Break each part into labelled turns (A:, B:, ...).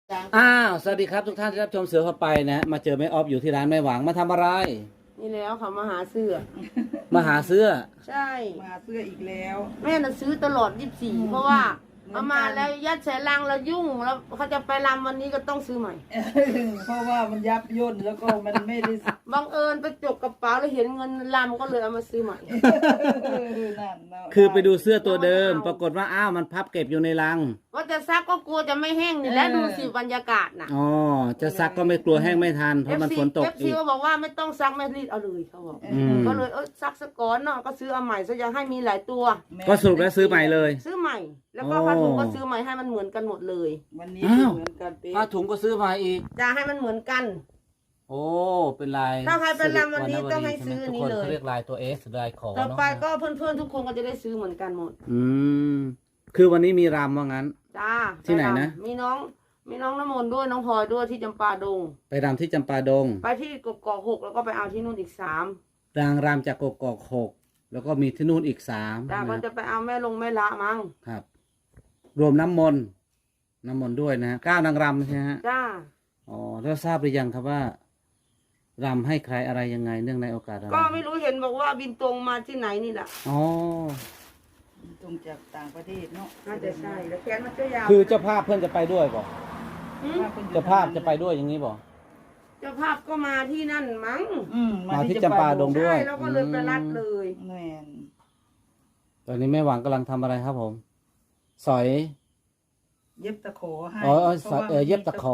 A: สวัสดีครับทุกท่านที่รับชมเสือเข้าไปนะมาเจอแม่ออฟอยู่ที่ร้านแม่หวังมาทำอะไร
B: นี่แล้วเขามาหาเสื้อ
A: มาหาเสื้อ
B: ใช่
C: มาเสื้ออีกแล้ว
B: แม่น่ะซื้อตลอด24เพราะว่าเอามาแล้วยัดใส่ลังแล้วยุ่งแล้วเขาจะไปรำวันนี้ก็ต้องซื้อใหม่
C: เพราะว่ามันยับย่นแล้วก็มันไม่ได้
B: บังเอิญไปจกกระเป๋าแล้วเห็นเงินรำก็เลยเอามาซื้อใหม่
A: คือไปดูเสื้อตัวเดิมปรากฏว่ามันพับเก็บอยู่ในลัง
B: ว่าจะซักก็กลัวจะไม่แห้งนี่แล้วดูสิบรรยากาศน่ะ
A: จะซักก็ไม่กลัวแห้งไม่ทันเพราะมันฝนตกอีก
B: ก็บอกว่าไม่ต้องซักไม่รีดเอาเลยเขาบอกก็เลยซักซะก่อนเนาะก็ซื้อเอาใหม่ซะยังให้มีหลายตัว
A: ก็สรุปแล้วซื้อใหม่เลย
B: ซื้อใหม่แล้วก็ผ้าถุงก็ซื้อใหม่ให้มันเหมือนกันหมดเลย
C: วันนี้เหมือนกัน
A: ผ้าถุงก็ซื้อมาอีก
B: จะให้มันเหมือนกัน
A: โอ้เป็นลาย
B: ถ้าใครเป็นรำวันนี้ต้องให้ซื้อนี้เลย
A: เรียกลายตัว S ลายขอ
B: ต่อไปก็เพื่อนๆทุกคนก็จะได้ซื้อเหมือนกันหมด
A: คือวันนี้มีรำว่างั้น
B: จ้า
A: ที่ไหนนะ
B: มีน้องน้ำมนต์ด้วยน้องพลอยด้วยที่จำปาดง
A: ไปรำที่จำปาดง
B: ไปที่กกอก6แล้วก็ไปเอาที่นู่นอีก3
A: นางรำจากกกอก6แล้วก็มีที่นู่นอีก3
B: จ้าก็จะไปเอาแม่ละมั้ง
A: ครับรวมน้ำมนต์ด้วยนะ9นางรำใช่ไหมฮะ
B: จ้า
A: แล้วทราบหรือยังครับว่ารำให้ใครอะไรยังไงเนื่องในโอกาสอะไร
B: ก็ไม่รู้เห็นบอกว่าบินตรงมาที่ไหนนี่แหละ
C: ตรงจากต่างประเทศเนาะ
B: น่าจะใช่แล้วแขนมันก็ยาว
A: คือเจ้าภาพเพื่อนจะไปด้วยบอกเจ้าภาพจะไปด้วยอย่างนี้บอก
B: เจ้าภาพก็มาที่นั่นมั้ง
A: มาที่จำปาดงด้วย
B: ใช่แล้วก็เลยไปรัดเลย
C: แม่น
A: ตอนนี้แม่หวังกำลังทำอะไรครับผมสอย
C: เย็บตะขอให้
A: เย็บตะขอ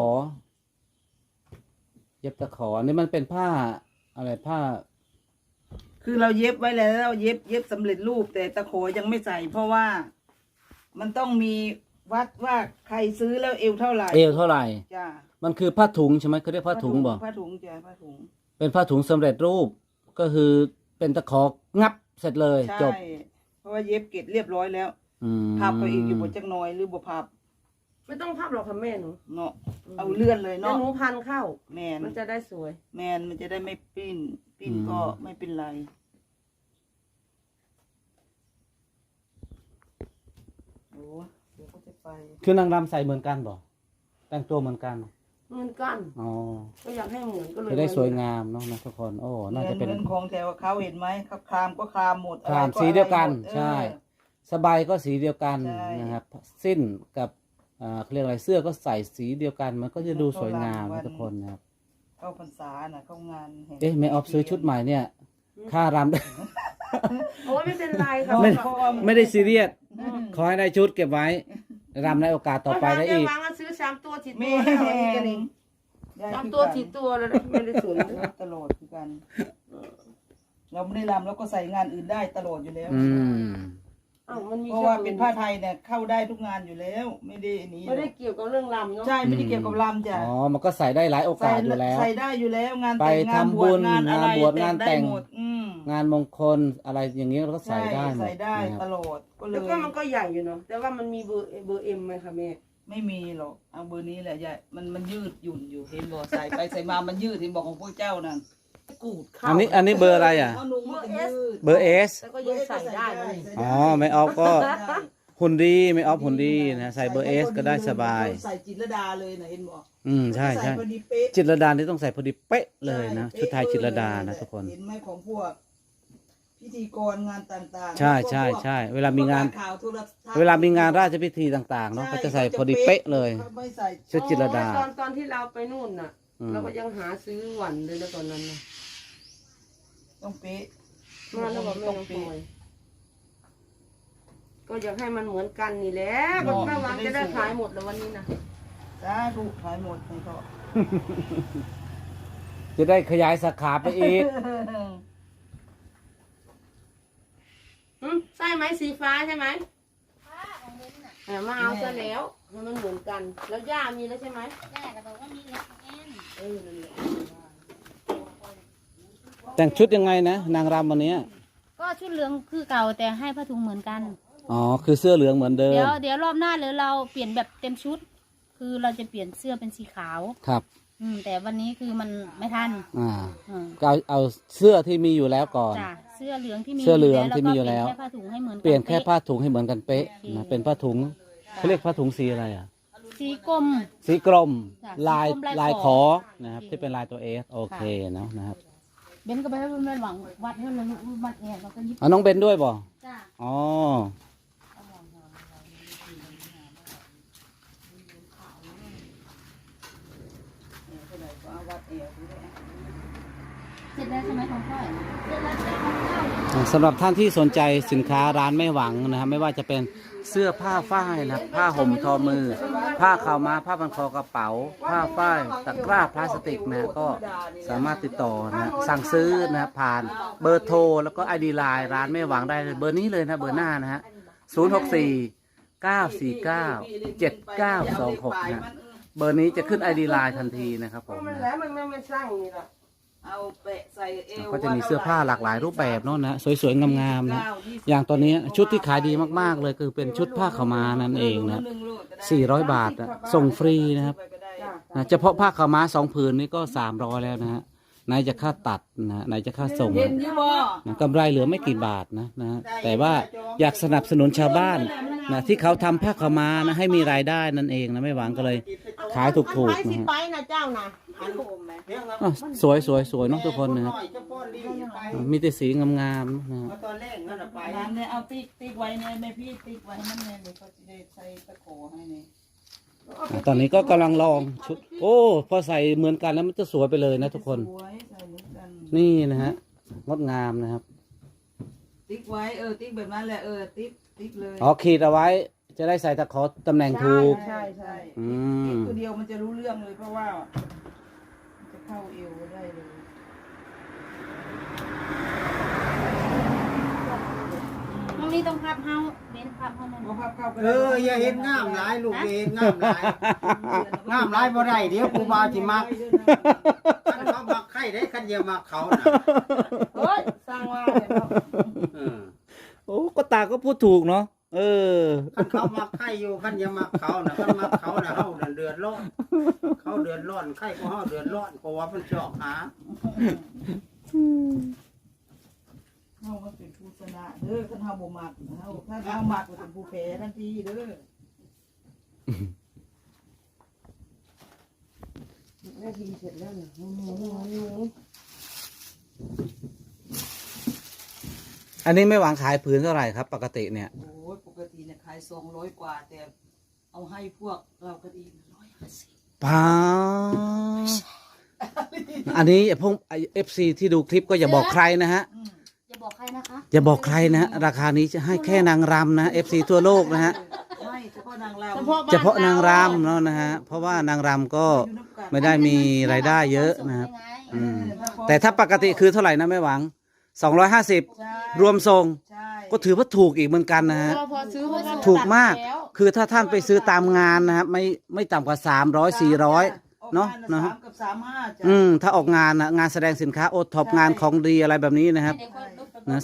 A: นี่มันเป็นผ้าอะไรผ้า
C: คือเราเย็บไว้แล้วเราเย็บสำเร็จรูปแต่ตะขอยังไม่ใส่เพราะว่ามันต้องมีวัดว่าใครซื้อแล้วเอวเท่าไหร่
A: จ้ามันคือผ้าถุงใช่ไหมเขาเรียกผ้าถุงบอก
C: ผ้าถุงจ้ะผ้าถุง
A: เป็นผ้าถุงสำเร็จรูปก็คือเป็นตะของับเสร็จเลยจบ
C: เพราะว่าเย็บเกล็ดเรียบร้อยแล้วพับไปอีกอยู่บนจักน้อยหรือบ่พับ
B: ไม่ต้องพับหรอกค่ะแม่หนู
C: เนาะเอาเลื่อนเลยเนาะ
B: หนูพันเข้า
C: แมน
B: มันจะได้สวย
C: มันจะได้ไม่ปิ้นก็ไม่เป็นไรโอ้เดี๋ยวก็จะไป
A: คือนางรำใส่เหมือนกันบ่แต่งตัวเหมือนกัน
B: ก็อยากให้เหมือนก็เลย
A: จะได้สวยงามเนาะทุกคนน่าจะเป็น
C: ของแถวเขาเห็นไหมครับครามก็ครามหมด
A: ครามสีเดียวกันใช่สบายก็สีเดียวกันนะครับสิ้นกับเขาเรียกอะไรเสื้อก็ใส่สีเดียวกันมันก็จะดูสวยงามทุกคนนะครับ
C: เข้าพรรษาน่ะเข้างาน
A: แม่ออฟซื้อชุดใหม่เนี่ยค่ารำ
B: โอ้ยไม่เป็นไรค่ะ
A: ไม่ได้ซีเรียสขอให้ได้ชุดเก็บไว้รำในโอกาสต่อไปได้อีก
B: ซื้อ3 ตัว10 ตัว3 ตัว10 ตัวแล้วไม่ได้สวย
C: ตลอดคือกันเราไม่ได้รำแล้วก็ใส่งานอื่นได้ตลอดอยู่แล้วเพราะว่าเป็นผ้าไทยเนี่ยเข้าได้ทุกงานอยู่แล้วไม่
B: ได้เกี่ยวกับเรื่องรำเนาะ
C: ใช่ไม่ได้เกี่ยวกับรำจ้ะ
A: มันก็ใส่ได้หลายโอกาสอยู่แล้ว
C: ใส่ได้อยู่แล้วงาน
A: แต่งงานบวชงานอะไรงานแต่งงานมงคลอะไรอย่างนี้เราก็ใส่ได้
C: ใส่ได้ตลอด
B: แล้วก็มันก็ใหญ่อยู่เนาะแต่ว่ามันมีเบอร์เอ็มไหมคะแม่
C: ไม่มีหรอกเอาเบอร์นี้แหละใหญ่มันยืดหยุ่นอยู่เห็นบอกใส่ไปใส่มามันยืดเห็นบอกของพวกเจ้านั่น
B: กูด
A: อันนี้เบอร์อะไรเบอร์ S
B: แล้วก็ยังใส่ได้
A: ไม่ออฟก็หุ่นดีไม่ออฟหุ่นดีนะใส่เบอร์ S ก็ได้สบาย
C: ใส่จิตรดาเลยนะเห็นบอก
A: ใช่จิตรดานี่ต้องใส่พอดีเป๊ะเลยนะชุดไทยจิตรดานะทุกคน
C: เห็นไหมของพวกพิธีกรงานต่าง
A: ๆใช่เวลามีงานราชพิธีต่างๆเนาะก็จะใส่พอดีเป๊ะเลยชุดจิตรดา
B: ตอนที่เราไปนู่นน่ะเราก็ยังหาซื้อหวันเลยนะตอนนั้นนะ
C: ต้องเป๊ะ
B: มาแล้วบอกไม่ต้องเป๊ะก็อยากให้มันเหมือนกันนี่แหละก็แม่วางจะได้ขายหมดแล้ววันนี้นะ
C: จ้าถูกขายหมดเลยก็
A: จะได้ขยายสาขาไปอีก
B: ใช่ไหมสีฟ้าใช่ไหมมาเอาซะแล้วมันเหมือนกันแล้วย่ามีแล้วใช่ไหม
D: ย่าก็บอกว่ามีแล้ว
A: แต่งชุดยังไงนะนางรำวันนี้
D: ก็ชุดเหลืองคือเก่าแต่ให้ผ้าถุงเหมือนกัน
A: คือเสื้อเหลืองเหมือนเดิม
D: เดี๋ยวรอบหน้าหรือเราเปลี่ยนแบบเต็มชุดคือเราจะเปลี่ยนเสื้อเป็นสีขาว
A: ครับ
D: แต่วันนี้คือมันไม่ทัน
A: ก็เอาเสื้อที่มีอยู่แล้วก่อน
D: เสื้อเหลืองที่มี
A: อยู่แล้ว
D: เปลี่ยนแค่ผ้าถุงให้เหมือน
A: เปลี่ยนแค่ผ้าถุงให้เหมือนกันเป๊ะนะเป็นผ้าถุงเขาเรียกผ้าถุงสีอะไร
D: สีกลม
A: สีกรม
D: จ้ะ
A: ลาย
D: สีกรมลาย
A: ลาย
D: ข
A: ข
D: อ
A: อนะครับที่เป็นลายตัวเอสโอเคเนาะนะครับ
D: เบนก็ไปให้แม่หวังวัดให้เลยวัดแอบแล้วก็ยิบ
A: เอาน้องเบนด้วยบ่
D: จ้า
A: อ๋อ
D: เสร็จแล้วใช่ไหมของพ่อยเสร็จแล้วจ้าของเจ้า
A: สำหรับท่านที่สนใจสินค้าร้านไม่หวังนะครับไม่ว่าจะเป็นเสื้อผ้าฝ้ายนะครับผ้าห่มทอมือ ผ้าขาวม้าผ้าพันคอกระเป๋า ผ้าฝ้ายตะกร้าพลาสติกนะก็สามารถติดต่อนะสั่งซื้อนะผ่านเบอร์โทรแล้วก็ไอดีไลน์ร้านไม่หวังได้เลยเบอร์นี้เลยนะเบอร์หน้านะฮะ064 949 7926นะเบอร์นี้จะขึ้นไอดีไลน์ทันทีนะครับผม
B: มัน
A: นะ
B: แล้วมันไม่สร้างนี่หรอก
C: เอาแปะใส่เอว
A: ก็จะมีเสื้อผ้าหลากหลายรูปแบบเนาะนะสวยๆงามๆนะอย่างตอนนี้ชุดที่ขายดีมากๆเลยคือเป็นชุดผ้าขาวม้านั่นเองนะ400 บาทนะส่งฟรีนะครับนะเฉพาะผ้าขาวม้า2 ผืนนี่ก็300แล้วนะฮะไหนจะค่าตัดนะไหนจะค่าส่ง
C: เห็นอยู่บ่
A: นะกำไรเหลือไม่กี่บาทนะแต่ว่าอยากสนับสนุนชาวบ้านนะที่เขาทำผ้าขาวม้านะให้มีรายได้นั่นเองนะไม่หวังก็เลยขายถูก
B: ไป
A: ๆ
B: สิ
A: นะฮะ
B: ไปนะเจ้านะ
A: อ่ะสวยๆเนาะทุกคนนะครับมีแต่สีงามๆนะฮะ
E: ตอนแรกนั่นน่ะไป
C: น้ำเนี่ยเอาติ๊กไว้เนี่ยแม่พี่ติ๊กไว้นั่นเนี่ยเดี๋ยวเขาจะได้ใส่ตะโขให้เนี่ย
A: ตอนนี้ก็กำลังลองชุด โอ้พอใส่เหมือนกันแล้วมันจะสวยไปเลยนะทุกคน
C: สวยใส่เหมือนกัน
A: นี่นะฮะงดงามนะครับ
C: ติ๊กไว้ติ๊กแบบนั้นแหละติ๊กเลย
A: อ๋อขีดเอาไว้จะได้ใส่ตะขอตำแหน่งถูก
C: ใช่
A: อื
C: ติ๊ก
A: ม
C: ตัวเดียวมันจะรู้เรื่องเลยเพราะว่ามันจะเข้าเอวได้เลย
D: ตรงนี้ต้องพับเฮาเบนพับเฮานั่น
C: พอพับเข้าไป
E: อย่าเห็นงามหลายลูกอย่าเห็นงามหลายงามหลายบ่ได้เดี๋ยวครูบาสิมักคันเขามักใครได้คันอย่ามักเขาน่ะ
C: เฮ้ยสร้างว่าเลยเนาะ
E: เออ
A: โอ้ก็ตาก็พูดถูกเนาะเออ
E: คันเขามักใครอยู่คันอย่ามักเขาน่ะคันมักเขาน่ะเฮาน่ะเดือดร้อนเขาเดือดร้อนใครก็เฮาเดือดร้อนเพราะว่ามันชอบหา
C: เฮามันเป็นผู้ชนะเด้อคันเฮาบ่มักเฮาถ้าเฮามักก็เป็นผู้แพ้ทันทีเด้อ
B: ได้ทีเสร็จแล้วนะหนู
A: อันนี้ไม่หวังขายผืนเท่าไหร่ครับ ปกติเนี่ย
C: โอ้ยปกติเนี่ยขาย200 กว่าแต่เอาให้พวกเราก็ดี150
A: ป้าอันนี้พวกFC ที่ดูคลิปก็อย่าบอกใครนะฮะ
D: อย่าบอกใครนะคะ
A: อย่าบอกใครนะฮะราคานี้จะให้แค่นางรำนะ FC ทั่วโลกนะฮะ
C: ไม่เฉพาะนางร
A: เฉพาะนางรำเนาะนะฮะเพราะว่านางรำก็ไม่ได้มีรายได้เยอะนะครับ อืม แต่ถ้าปกติคือเท่าไหร่นะไม่หวัง 250 รวมทรง
C: ใช่
A: ก็ถือว่าถูกอีกเหมือนกันนะฮะ
B: พอซื้อเพราะว่า
A: ถูกมาก
B: ตัดแล้ว
A: คือถ้าท่านไปซื้อตามงานนะครับไม่ต่ำกว่า300 400เนาะนะฮะ
C: 3กับ35จ้ะ
A: ถ้าออกงานนะงานแสดงสินค้าโอท็อปงานของดีอะไรแบบนี้นะครับ
D: เดี๋ยวค่อยลบไป
A: นะ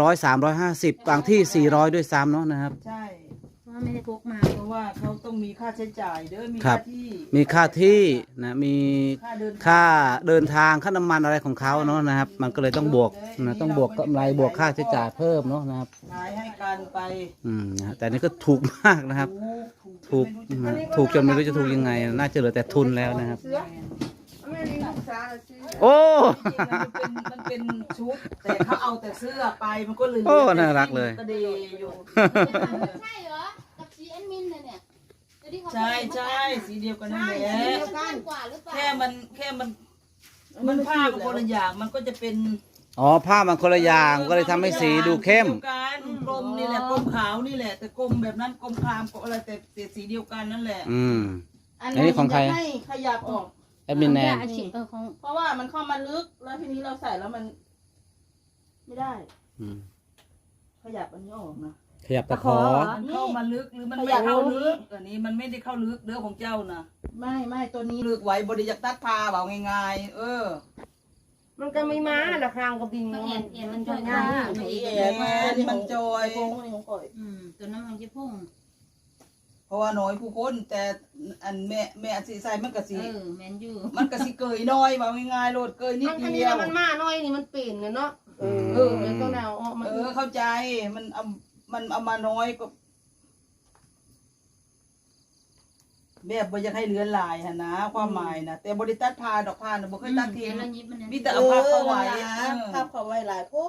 A: 300 350บางที่400ด้วยซ้ำเนาะนะครับ
C: ใช่
D: เพราะว่าไม่ได้พกมา
C: เพราะว่าเขาต้องมีค่าใช้จ่ายเด้อมี
A: ครั
C: ค่า
A: บ
C: ที่
A: มีค่าที่นะมี
C: ค่าเดิน
A: ค่าเดินทางค่าน้ำมันอะไรของเขาเนาะนะครับ มันก็เลยต้องบวกนะต้องบวกกำไรบวกค่าใช้จ่ายเพิ่มเนาะนะครับ
C: ขายให้กันไป
A: นะฮะแต่นี่ก็ถูกมากนะครับ ถูก
C: ไม่รู้จะ
A: นะถูกจนไม่รู้จะถูกยังไง น่าจะเหลือแต่ทุนแล้วนะครับ
B: เสือไม่มีลูกสาวเลยซื้อ
A: โอ้
C: จริงๆมันเป็นชุด แต่เขาเอาแต่เสื้อไปมันก็เลย
A: โอ้น่ารักเลย
C: ก็ดีอยู่
D: ใช่เหรอ กับสีแอดมินเนี่ยจะได้เขา
C: ใช่สีเดียวกันนั่นแหละ
D: สีเดียวกันกว่าหรือเปล่า
C: แค่มันผ้ากับคนละอย่างมันก็จะเป็น
A: อ๋อผ้ามันคนละอย่างก็เลยทำให้สีดูเข้ม
C: สีดียวกันกลมนี่แหละกลมขาวนี่แหละ แต่กลมแบบนั้นกลมครามกลมอะไรแต่สีเดียวกันนั่นแหละ
A: อืม
B: อัน
A: อันนี้ของใคร
B: จะให้ขยับออก
A: แอดมินแนน
D: อาชีพของ
B: เพราะว่ามันเข้ามาลึกแล้วทีนี้เราใส่แล้วมัน ไม่ได้
A: อืม
C: ขยับอันนี้ออกนะ
A: ขยับตะขอ
C: มันเข้ามาลึกหรือมันไม่เข้าลึกอันนี้มันไม่ได้เข้าลึกเด้อของเจ้านะ
B: ไม่ตัวนี้
C: ลึกไว้บริยักตัดพาเบาง่ายๆ
B: มันก็ไม่มาละคางกับบิน
D: ต้องเอ็นมันจะ
B: ง่า
D: ง่าย ย
B: เอ็น
C: มันจอย
B: โค้งนี่ของก่อย
D: ตัวนั้นมันจะพุ่ง
C: เพราะว่าน้อยผู้คนแต่อันแม่อันสีใส่มันก็สี
D: แมนยู
C: มันก็สิเกยน้อยเบาง่ายๆโลดเกยนิด
B: อัน
C: เดี
B: นี้
C: ยว
B: มันมาหน่อยนี่มันเปลี่ยนเลยเนาะมันต้องแนวออกมา
C: เข้าใจมันเอามาน้อยก็แบบบ่อยากให้เลือนลายหั่นนะความหมายนะแต่บ่ได้ตัดผ้าดอกผ้าน่ะบ่เคยตัดทิ้ง
D: แล้วยิบมันเนี่ย
C: มีแต่เอาผ้าเข้าไว้
F: ภาพเขาไว้หลายพวก